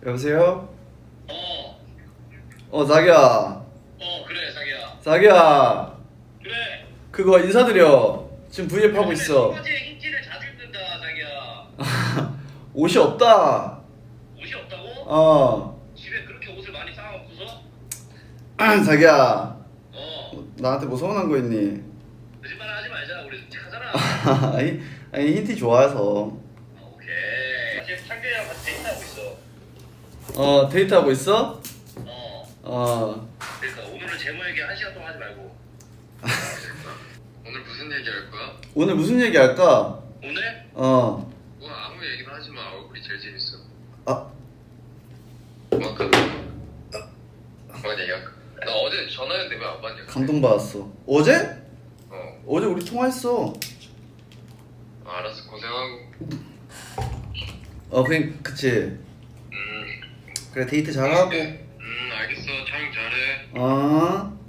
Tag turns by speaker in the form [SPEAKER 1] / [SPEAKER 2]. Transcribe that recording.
[SPEAKER 1] 여보세요?
[SPEAKER 2] 어,
[SPEAKER 1] 자기야.
[SPEAKER 2] 그래, 자기야.
[SPEAKER 1] 자기야.
[SPEAKER 2] 그래.
[SPEAKER 1] 그거 인사드려. 지금 V앱 하고 있어.
[SPEAKER 2] 청바지에 흰티를 자주 입는다, 자기야.
[SPEAKER 1] 옷이 없다.
[SPEAKER 2] 옷이 없다고? 집에 그렇게 옷을 많이 쌓아놓고서?
[SPEAKER 1] 자기야.
[SPEAKER 2] 어,
[SPEAKER 1] 나한테 뭐 서운한 거 있니?
[SPEAKER 2] 거짓말 하지 말자. 우리 솔직하잖아.
[SPEAKER 1] 아니 흰티 좋아해서.
[SPEAKER 2] 지금 창규이랑 같이 데이트하고 있어.
[SPEAKER 1] 데이트하고 있어?
[SPEAKER 2] 어, 그러니까 오늘은 제모 얘기 1시간 동안 하지 말고.
[SPEAKER 3] 오늘 무슨 얘기 할 거야?
[SPEAKER 1] 오늘 무슨 얘기 할까?
[SPEAKER 2] 오늘?
[SPEAKER 3] 뭐 아무 얘기나 하지 마. 얼굴이 제일 재밌어. 그만큼. 뭔 얘기야? 나 어제 전화했는데 왜 안 받냐?
[SPEAKER 1] 감동받았어. 어제?
[SPEAKER 3] 어,
[SPEAKER 1] 어제 우리 통화했어.
[SPEAKER 3] 알았어. 고생하고.
[SPEAKER 1] 그치.
[SPEAKER 3] 음,
[SPEAKER 1] 그래 데이트 잘하고.
[SPEAKER 3] 알겠어. 촬영 잘해.
[SPEAKER 1] 어.